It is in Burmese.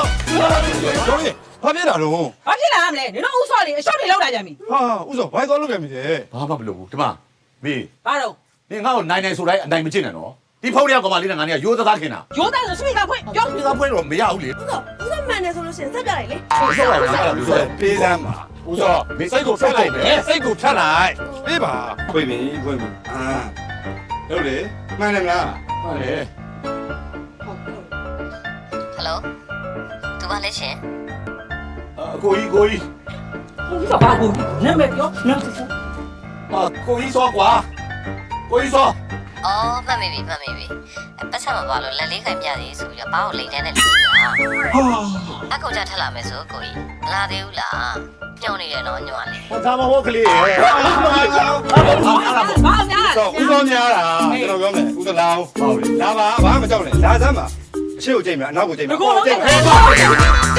ကျော်ကြီးဘာဖြစ်တာတော့ဘာဖြစ်လာမလဲနင်တို့ဥဆော့လေးအရှော့တွေလောက်လာကြပြီဟာဥစ္စာဘိုက်သွားလုပ်ခဲ့ပြီလေဘာမှမလုပ်ဘူးဒီမှာမေးဘာတော့နင်ငါ့ကိုနိုင်နိုင်ဆိုတိုင်းအနိုင်မချစ်နဲ့နော်ဒီဖုန်းလေးကကောင်မလေးနဲ့ငါနဲ့ရိုးသားခင်တာရိုးသားဆိုစပီကဖွင့်ပြောဒီကဖွင့်တော့မရဘူးလေဦးစောမှန်တယ်ဆိုလို့ရှိရင်ဆက်ပြလိုက်လေဟုတ်ဆောက်ပါဘူးပေးစမ်းပါဦးစောမေးစိတ်ကိုဖက်လိုက်မယ်စိတ်ကိုဖြတ်လိုက်ပေးပါဖွင့်ပြီဖွင့်ပြီဟုတ်လေမှန်တယ်မလားဟုတ်လေဟယ်လိုသူပါလဲရှင်အကိုကြီးကိုကြီးဥဆော့ဘာဘူးနာမည်ပြောနာမည်ပြောဟာကိုကြီးစောကွာကိုကြီးစောအော်မှတ်မိပြီပတ်ဆက်မပါလို့လက်လေးခိုင်ပြသေးဆိုပြီးတော့ဘာကိုလိန်တန်းနဲ့လိန်နေတာဟာအခုကြထက်လာမယ်ဆိုကိုကြီးမလာသေးဘူးလားပြုံးနေတယ်နော်ညွှန်လေးဟောသားမဟုတ်ကလေးရဲ့ဘာများတော့ဥသောများတာကျွန်တော်ပြောမယ်ဥသလောင်းဟုတ်လေလာပါဘာမှမကြောက်နဲ့လာစမ်းပါအရှိကိုကြိတ်မယ်အနောက်ကိုကြိတ်မယ်ကိုလုံး